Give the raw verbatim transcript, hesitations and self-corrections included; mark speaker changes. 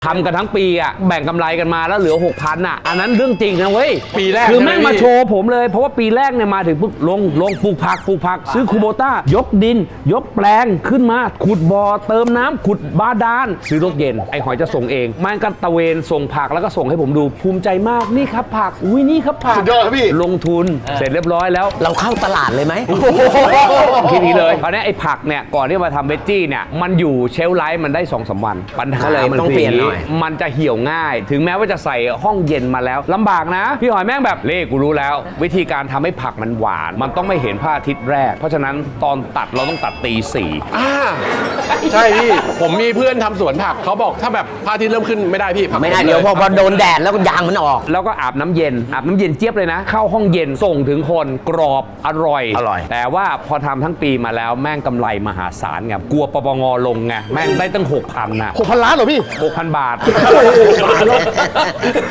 Speaker 1: ทำกันทั้งปีอ่ะแบ่งกำไรกันมาแล้วเหลือ หกพัน อ่ะอันนั้นเรื่องจริงนะเว้ย
Speaker 2: ปีแรก
Speaker 1: คือแม่งมาโชว์ผมเลยเพราะว่าปีแรกเนี่ยมาถึงปุ๊บลงลงปลูกผักปลูกผักซื้อคูโบต้ายกดิน ยกแปลงขึ้นมาขุดบ่อเติมน้ำขุดบาดาลซื้อรถเย็นไอ้หอยจะส่งเองมันก็ตะเวนส่งผักแล้วก็ส่งให้ผมดูภูมิใจมากนี่ครับผักอุ้ยนี่ครับผัก
Speaker 3: สุดยอดครับพี่
Speaker 1: ลงทุนเสร็จเรียบร้อยแล้ว
Speaker 4: เราเข้าตลาดเลยไหม
Speaker 1: คิดนี้เลยคราวนี้ไอ้ผักเนี่ยก่อนที่มาทำเวจจี้เนี่ยมันอยู่เชลฟ์ไลฟ์มันได้สองสามวันปัญหา
Speaker 4: ก็เลย
Speaker 1: มัน
Speaker 4: ต้อง
Speaker 1: คื
Speaker 4: เปลี่ยนหน่อย
Speaker 1: มันจะเหี่ยวง่าย ถึงแม้ว่าจะใส่ห้องเย็นมาแล้วลำบากนะพี่หอยแม่งแบบเล่กูรู้แล้ว วิธีการทำให้ผักมันหวาน มันต้องไม่เห็นพระอาทิตย์แรก เพราะฉะนั้นตอนตัดเราต้องตัดตีสี่
Speaker 2: อ่าใช่พี่ผมมีเพื่อนทำสวนผักเขาบอกถ้าแบบพระอาทิตย์เริ่มขึ้นไม่ได้พี่ผัก
Speaker 4: ไม่ได้เดี๋ยวพอพอโดนแดดแล้วก็ยางมันออก
Speaker 1: แล้วก็อาบน้ำเย็นอาบน้ำเย็นเจี๊ยบเลยนะ เข้าห้องเย็นส่งถึงคนกรอบอร่อย
Speaker 4: อร่อย
Speaker 1: แต่ว่าพอทำทั้งปีมาแล้วแม่งกำไรมหาศาลไงกลัวปปงลงไงแม่งได้ตั้งหกพันนะ
Speaker 3: หกพันล้านเหรอพี่
Speaker 1: หกพันบาท